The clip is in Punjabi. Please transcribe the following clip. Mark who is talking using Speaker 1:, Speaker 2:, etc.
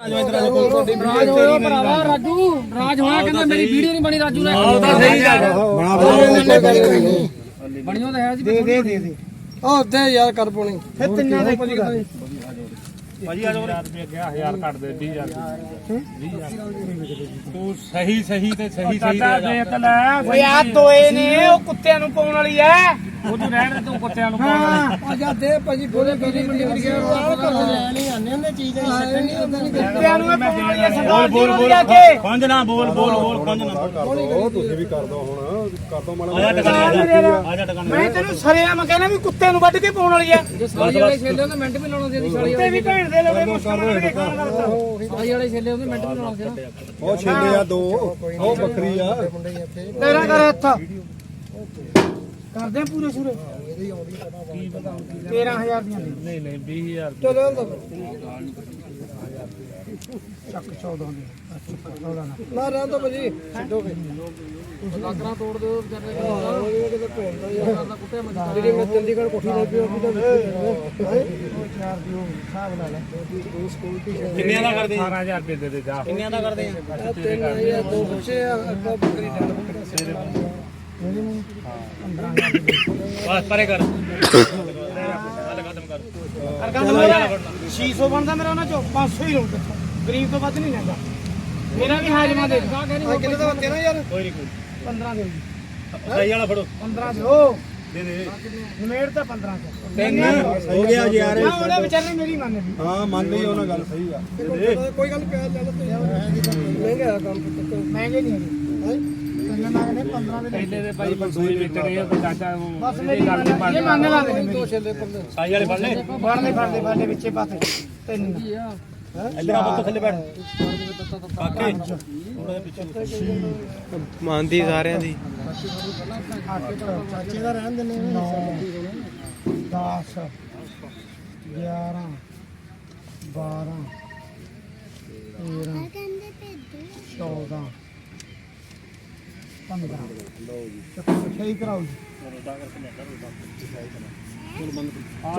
Speaker 1: ਰਾਜ ਹੋਇਆ ਭਰਾਵਾ ਰਾਜੂ ਰਾਜ ਹੋਇਆ ਕਹਿੰਦਾ ਮੇਰੀ ਵੀਡੀਓ ਨਹੀਂ ਬਣੀ ਰਾਜੂ ਨੇ ਬਣਿਓ ਤਾਂ ਹੈ ਜੀ ਦੇ ਉਹ ਦੇ ਯਾਰ ਕਰ ਪੋਣੀ ਫਿਰ ਤਿੰਨਾਂ ਦੇ
Speaker 2: ਭਾਜੀ ਆ ਜਾਓ 1000 ਰੁਪਏ ਗਿਆ 1000 ਕੱਟ ਦੇ 20000 ਤੂੰ ਸਹੀ ਤੇ ਸਹੀ ਦੇਖ ਲੈ
Speaker 1: ਓਏ ਆ ਦੋਏ ਨੇ ਉਹ ਕੁੱਤਿਆਂ ਨੂੰ ਪਾਉਣ ਵਾਲੀ ਐ
Speaker 2: ਉਹ ਤੂੰ ਰਹਿਣ ਦੇ ਤੂੰ ਕੁੱਤਿਆਂ ਨੂੰ ਪਾਉਣ ਵਾਲੀ
Speaker 1: ਆ ਜਾ ਦੇ ਭਾਜੀ ਬੋਲੇ ਮੇਰੀ ਮੰਡੀ ਕਰ ਗਿਆ ਲੈ ਨਹੀਂ ਆਨੇ ਹੁੰਦੇ ਚੀਜ਼ ਨਹੀਂ ਛੱਡਣੀ ਹੁੰਦਾ ਨਹੀਂ ਕੁੱਤਿਆਂ ਨੂੰ ਪਾਉਣ ਵਾਲੀ ਐ ਸਰਦਾਰ ਬੋਲ ਜਾ ਕੇ
Speaker 2: ਖੰਜ ਨਾ ਬੋਲ ਖੰਜ ਨਾ
Speaker 3: ਉਹ ਤੁਸੀਂ ਵੀ ਕਰ ਦੋ ਹੁਣ ਕਰ ਦੋ ਮਾੜਾ
Speaker 2: ਆ ਜਾ ਟਕਾਣੇ
Speaker 1: ਮੈਂ ਤੈਨੂੰ ਸਰਿਆ ਮੈਂ ਕਹਿੰਦਾ ਵੀ ਕੁੱਤੇ ਨੂੰ ਵੱਢ ਕੇ ਪਾਉਣ ਵਾਲੀ ਐ ਜੇ ਸਾਲੀ ਵਾਲੇ ਛੇਲੇ ਉਹਦੇ ਮਿੰਟ ਵੀ ਲਾਉਣਾ ਸੀ ਸਾਲੀ ਵਾਲੇ ਵੀ ਭੈਣ ਦੇ ਲੋਗੇ ਮੁਸ਼ਕਲ ਸਾਲੀ ਵਾਲੇ ਛੇਲੇ ਉਹਦੇ ਮਿੰਟ ਵੀ ਲਾਉਣਾ ਸੀ
Speaker 3: ਉਹ ਛੇਲੇ ਆ ਦੋ ਉਹ ਬੱਕਰੀ ਆ
Speaker 1: ਤੇਰਾ ਕਰ ਹੱਥ ਕਰਦੇ ਪੂਰੇ ਸੂਰੇ 13000 ਦੀਆਂ
Speaker 2: ਨਹੀਂ 20000
Speaker 1: ਚਲੋ ਚੱਕ 14 ਦੀ ਨਾ ਰਹਿਣ ਦੋ ਭਾਜੀ ਛੱਡੋਗੇ ਲਾਕਰਾਂ ਤੋੜ ਦਿਓ ਵਿਚਾਰੇ ਕਿਤੇ ਭੋਲਦਾ ਯਾਰ ਕੁੱਤੇ ਮਜਾ ਜਿਹੜੀ ਮੈਂ ਚੰਡੀਗੜ੍ਹ ਕੋਠੀ ਲੈ ਕੇ ਉਹ ਤਾਂ 4 ਦਿਓ ਹਿਸਾਬ ਲਾ ਲੈ ਸਕੂਲ ਦੀ
Speaker 2: ਕਿੰਨਿਆਂ ਦਾ ਕਰਦੇ 18000 ਰੁਪਏ ਦੇ ਦੇ ਜਾ
Speaker 1: ਕਿੰਨਿਆਂ ਦਾ ਕਰਦੇ ਆ 3000 ਦੋ ਬੱਚੇ ਆ ਅੱਗੋਂ ਬੱਕਰੀ ਡੰਡ ਬੱਕਰੀ ਮਿਨੀਮਮ 15000
Speaker 2: ਬਸ ਪਰੇ ਕਰ
Speaker 1: ਖਤਮ ਕਰ 600 ਬਣਦਾ ਮੇਰਾ ਉਹਨਾਂ ਚੋਂ 500 ਹੀ ਲਊਂ ਗਰੀਬ ਤੋਂ ਵੱਧ ਨਹੀਂ ਲੈਂਦਾ ਮੇਰਾ ਵੀ ਹਾਜ਼ਮਾ ਦੇ ਕਿੰਨੇ ਦਾ ਬੱਤੇ ਨਾ ਯਾਰ
Speaker 2: ਕੋਈ ਨਹੀਂ
Speaker 1: 15 ਦੇ
Speaker 2: ਸਹੀ ਵਾਲਾ ਫੜੋ
Speaker 1: 15 ਦਿਓ
Speaker 2: ਦੇ
Speaker 1: ਨਿਮੇੜ ਤਾਂ 15 ਚ
Speaker 3: ਤਿੰਨ ਹੋ ਗਿਆ ਜੀ ਯਾਰ
Speaker 1: ਨਾ ਉਹਨੇ ਵਿਚਾਰੇ ਮੇਰੀ ਮੰਨ ਲਈ
Speaker 3: ਹਾਂ ਮੰਨ ਲਈ ਉਹਨਾਂ ਗੱਲ ਸਹੀ ਆ
Speaker 1: ਕੋਈ ਗੱਲ ਪਿਆ ਚੱਲ ਮਹਿੰਗਾ ਆ ਕੰਮ ਮਹਿੰਗੇ ਨਹੀਂ ਹੈਗੇ ਕੰਨਾਂ ਨਾਲ ਨੇ 15 ਦੇ
Speaker 2: ਪਹਿਲੇ ਦੇ ਭਾਈ ਬੰਸੂਈ ਵੇਚਣੇ ਆ ਤੇ ਚਾਚਾ
Speaker 1: ਬਸ ਮੇਰੀ ਗੱਲ ਇਹ ਮੰਨ ਲਾ ਦੇ ਦੋ ਛੇਲੇ ਪਰ
Speaker 2: ਸਾਈ ਵਾਲੇ ਫੜ ਲੈ
Speaker 1: ਫੜ ਲੈ ਵਿੱਚੇ ਪਾਸੇ ਤਿੰਨ
Speaker 2: ਇੱਧਰ ਆ ਬੱਤ ਥੱਲੇ ਬੈਠ ਕਾਕੇ ਥੋੜਾ ਪਿੱਛੇ
Speaker 4: ਮੰਨਦੀ ਸਾਰਿਆਂ ਦੀ
Speaker 1: ਚਾਚੇ ਦਾ ਰਹਿਣ ਦਿੰਦੇ 10 11 12 13 14 15 ਲਓ ਜੀ ਸਹੀ ਕਰਾਓ ਜੀ